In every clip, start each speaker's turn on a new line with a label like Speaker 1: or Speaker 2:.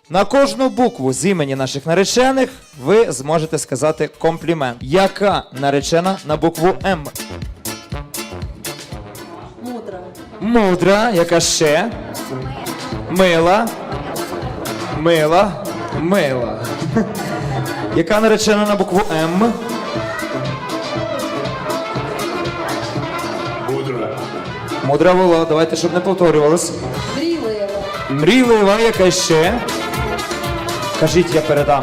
Speaker 1: На кожну букву з імені наших наречених ви зможете сказати комплімент. Яка наречена на букву М?
Speaker 2: Мудра.
Speaker 1: Мудра. Яка ще? Мила. Мила. Мила. Яка наречена на букву М?
Speaker 3: Мудра.
Speaker 1: Мудра була. Давайте, щоб не повторювалось.
Speaker 2: Мрійлива.
Speaker 1: Мрійлива. Яка ще? Кажіть, я передам.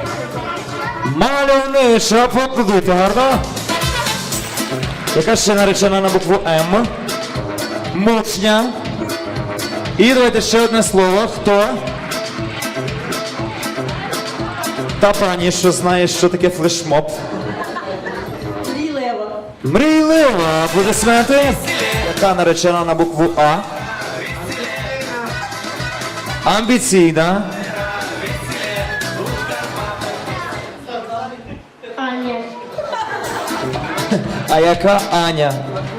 Speaker 1: Мальовнича. Поаплодуйте гарно. Яка ще наречена на букву М? Мучня. І давайте ще одне слово. Хто? Та пані, що знає, що таке флешмоб.
Speaker 2: Мрійлива.
Speaker 1: Мрійлива. Аплодисменти. Яка наречена на букву А? Амбіційна.
Speaker 2: Аня.
Speaker 1: А яка Аня?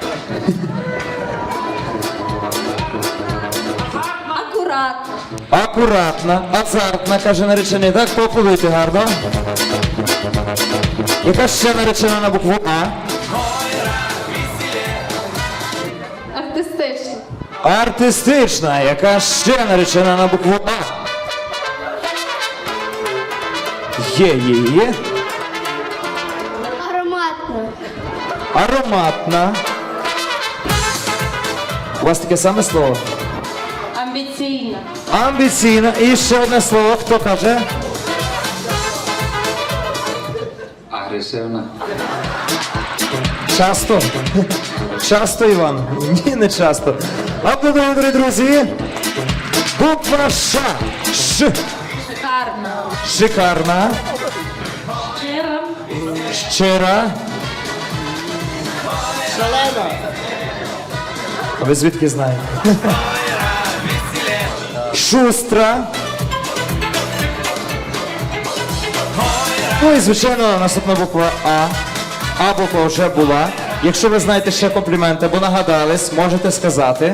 Speaker 2: Акуратна.
Speaker 1: Акуратна, азартна, каже наречений. Так, поаплодуйте гарно. Яка ще наречена на букву А?
Speaker 2: Артистична.
Speaker 1: Артистична. Яка ще наречена на букву А? Є.
Speaker 2: Ароматна.
Speaker 1: Ароматна. У вас таке саме слово?
Speaker 2: Амбіційна.
Speaker 1: Амбіційна. І ще одне слово. Хто каже?
Speaker 3: Агресивна.
Speaker 1: Часто? Часто, Іван? Ні, не часто. Аплодуємо, дорогі друзі. Буква Ш. Ш.
Speaker 2: Шикарна.
Speaker 1: Шикарна.
Speaker 2: Щира.
Speaker 1: Щира.
Speaker 2: Шалена.
Speaker 1: А ви звідки знаєте? Шустра. Ну і, звичайно, наступна буква А. А буква вже була. Якщо ви знаєте ще компліменти або нагадались, можете сказати.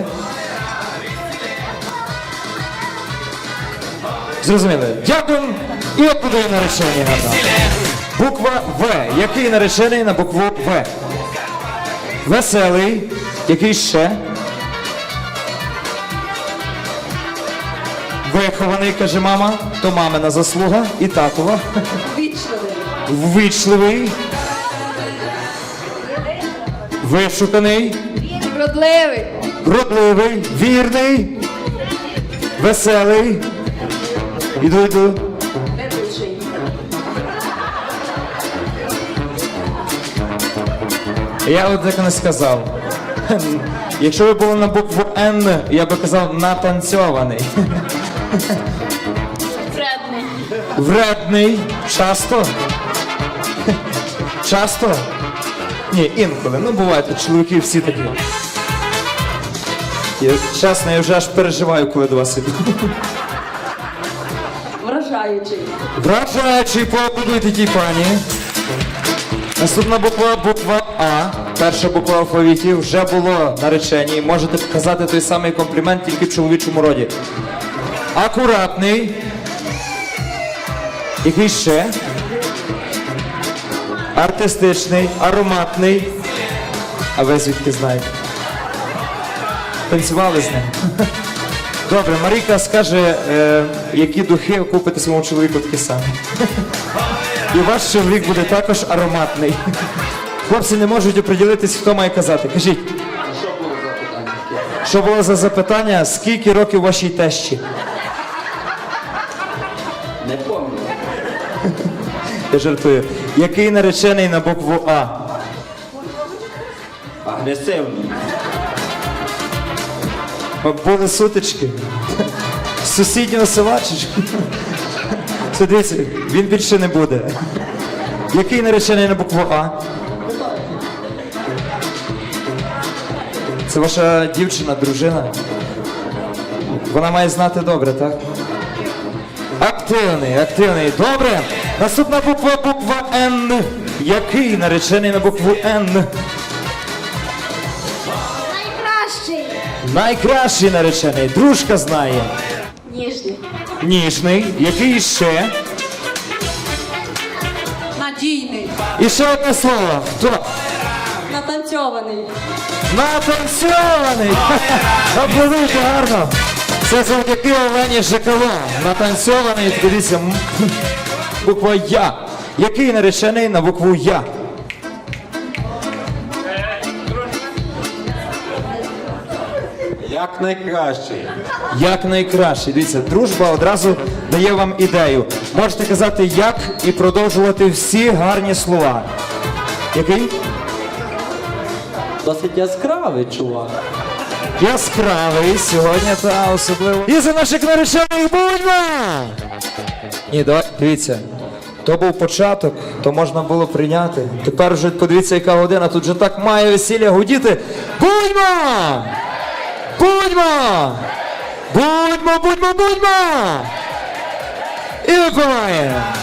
Speaker 1: Зрозуміли? Дякую і аплодуємо нареченій гарно. Буква В. Який наречений на букву В? Веселий. Який ще? Вихований, каже мама. То мамина заслуга і татова.
Speaker 2: Вічливий.
Speaker 1: Ввічливий. Вишуканий.
Speaker 2: Вродливий.
Speaker 1: Вродливий. Вірний. Веселий. Іду.
Speaker 2: Ведучий.
Speaker 1: Я от так не сказав. Якщо ви були на букву Н, я би казав натанцьований.
Speaker 2: Вредний.
Speaker 1: Вредний. Часто? Часто? Ні, інколи. Ну, буває, чоловіки всі такі. Чесно, я вже аж переживаю, коли до вас іду.
Speaker 2: Вражаючий.
Speaker 1: Вражаючий, поаплодуйте тій пані. Наступна буква А. Перша буква в алфавіті. Вже було наречені. Можете показати той самий комплімент, тільки в чоловічому роді. Акуратний. Який ще? Артистичний, ароматний. А ви звідки знаєте? Танцювали з ним? Добре, Марійка скаже, які духи купити своєму чоловіку такі самі. І ваш чоловік буде також ароматний. Хлопці не можуть оприділитись, хто має казати. Кажіть.
Speaker 3: Що було за питання?
Speaker 1: Що було за запитання? Скільки років вашій тещі?
Speaker 3: Не пам'ятаю.
Speaker 1: Я жартую. Який наречений на букву А?
Speaker 3: Агресивний.
Speaker 1: Були сутички. З сусіднього села чи що? Все, дивіться, він більше не буде. Який наречений на букву А? Це ваша дівчина, дружина? Вона має знати добре, так? Активний. Добре. Наступна буква Н. Який наречений на букву Н?
Speaker 2: Найкращий.
Speaker 1: Найкращий наречений. Дружка знає.
Speaker 2: Ніжний.
Speaker 1: Ніжний. Який ще?
Speaker 2: Надійний.
Speaker 1: І ще одне слово. Хто?
Speaker 2: Натанцьований.
Speaker 1: Натанцьований! Аплодуйте гарно! Це завдяки Олені Жикало. Натанцьований, дивіться, буква Я. Який наречений на букву Я?
Speaker 4: Як найкращий.
Speaker 1: Як найкраще. Дивіться, дружба одразу дає вам ідею. Можете казати як і продовжувати всі гарні слова. Який?
Speaker 4: Досить яскравий чувак.
Speaker 1: Яскравий сьогодні, та особливо. І за наших наречених будьмо! Ні, давай, дивіться. То був початок, то можна було прийняти. Тепер вже подивіться, яка година, тут вже так має весілля гудіти. Будьмо! Будьмо! Будьмо, будьмо, будьмо! І випиваємо!